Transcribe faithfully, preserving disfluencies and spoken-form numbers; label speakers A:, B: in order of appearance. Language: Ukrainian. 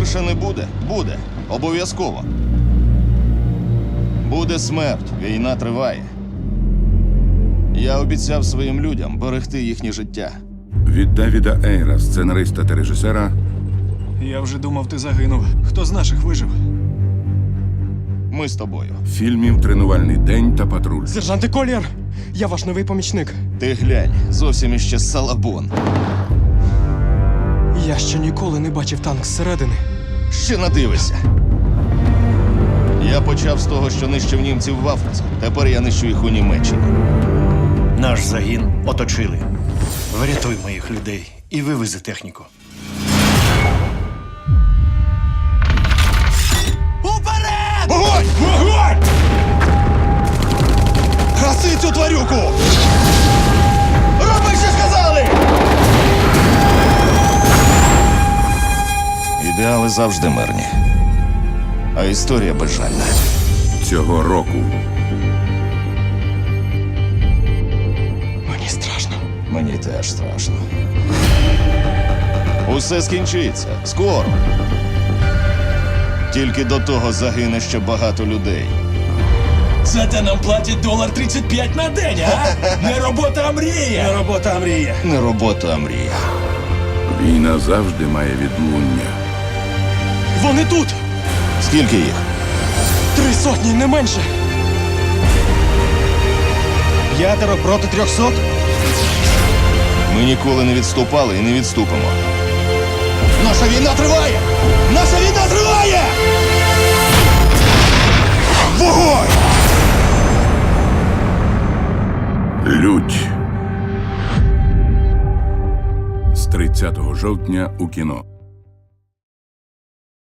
A: Виграші не буде? Буде. Обов'язково. Буде смерть. Війна триває. Я обіцяв своїм людям берегти їхнє життя.
B: Від Девіда Ейра, сценариста та режисера,
C: Я вже думав, ти загинув. Хто з наших вижив?
A: Ми з тобою.
B: фільмів «Тренувальний день» та «Патруль».
D: Сержанте Колір, я ваш новий помічник.
A: Ти глянь, зовсім іще салабон.
D: Я ще ніколи не бачив танк зсередини.
A: Ще надивишся. Я почав з того, що нищив німців в Африці. Тепер я нищу їх у Німеччині.
E: Наш загін оточили. Врятуй моїх людей і вивези техніку.
A: Уперед! Вогонь! Вогонь! Гаси цю тварюку! Роби, що сказали! Ідеали завжди мирні. А історія безжальна.
B: Цього року
D: Мені страшно.
A: Мені теж страшно. Усе скінчиться. Скоро. Тільки до того загине ще багато людей.
F: Зате нам платять долар тридцять п'ять на день, а? Не робота, а мрія!
E: Не робота, а мрія.
A: Не робота, а мрія.
B: війна завжди має відлуння.
D: Вони тут!
A: Скільки їх?
D: Три сотні, не менше!
E: П'ятеро проти трьохсот?
A: Ми ніколи не відступали і не відступимо. Наша війна триває! Наша війна триває! Вогонь!
B: Лють. З тридцятого жовтня у кіно.